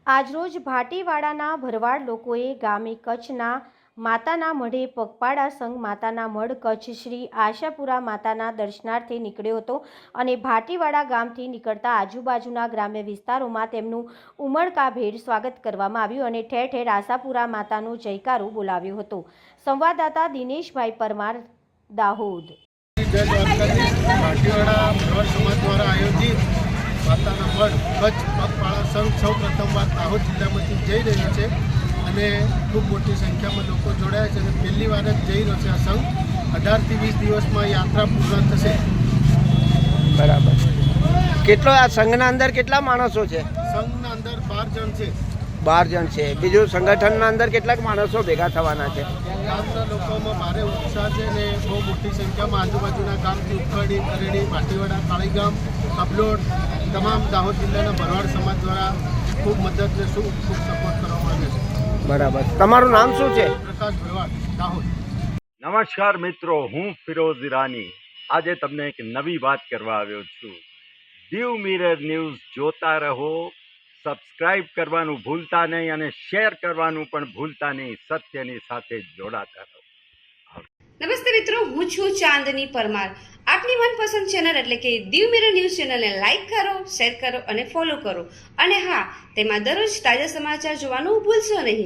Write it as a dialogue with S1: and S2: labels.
S1: આજરોજ ભાટીવાડાના ભરવાડ લોકોએ ગામે કચ્છના માતાના મઢે પગપાળા સંઘ માતાના મઢ કચ્છ શ્રી આશાપુરા માતાના દર્શનાર્થે નીકળ્યો હતો અને ભાટીવાડા ગામથી નીકળતા આજુબાજુના ગ્રામ્ય વિસ્તારોમાં તેમનું ઉમળકાભેર સ્વાગત કરવામાં આવ્યું અને ઠેર ઠેર આશાપુરા માતાનો જયકારો બોલાવ્યો હતો। સંવાદદાતા દિનેશભાઈ પરમાર, દાહોદ।
S2: ભાટીવાડા ભરવાડ સમાજ દ્વારા આયોજિત માતાના મઢ કચ્છ પગપાળા સંઘ સૌ પ્રથમવાર દાહોદ જિલ્લામાંથી જઈ રહ્યો છે અને ખૂબ મોટી સંખ્યામાં લોકો જોડાયા છે અને પહેલી વાર જ જઈ રહ્યો છે। આ સંઘ 18 થી 20 દિવસમાં યાત્રા પૂર્ણ થશે।
S3: બરાબર। કેટલો આ સંઘના અંદર કેટલા માણસો છે?
S2: સંઘના અંદર 12 જણ છે।
S3: 12 જણ છે। બીજું સંગઠનના અંદર કેટલાક માણસો ભેગા થવાના છે?
S2: ગામના લોકોમાં ભારે ઉત્સાહ છે અને બહુ મોટી સંખ્યામાં આજુબાજુના ગામથી ઉખડી, કરેડી, ભાટીવાડા, કાળીગામ, અબલોડ તમામ દાહોદ જિલ્લાના ભરવાડ સમાજ દ્વારા ખૂબ મદદ ને ખૂબ સપોર્ટ કરવામાં આવે છે।
S3: બરાબર। તમારું નામ શું છે?
S2: પ્રકાશ ભરવાડ, દાહોદ।
S4: નમસ્કાર મિત્રો, હું ફિરોઝ ઈરાની આજે તમને એક નવી વાત કરવા આવ્યો છું। દીવ મિરર ન્યૂઝ જોતા રહો, સબસ્ક્રાઇબ કરવાનું ભૂલતા નહીં અને શેર કરવાનું પણ ભૂલતા નહીં। સત્યની સાથે જોડાતા રહો।
S5: નમસ્તે મિત્રો, હું છું ચાંદની પરમાર। આપની મનપસંદ ચેનલ એટલે કે દીવ મિરર ન્યૂઝ ચેનલને લાઈક કરો, શેર કરો અને ફોલો કરો। અને હા, તેમાં દરરોજ તાજા સમાચાર જોવાનું ભૂલશો નહીં।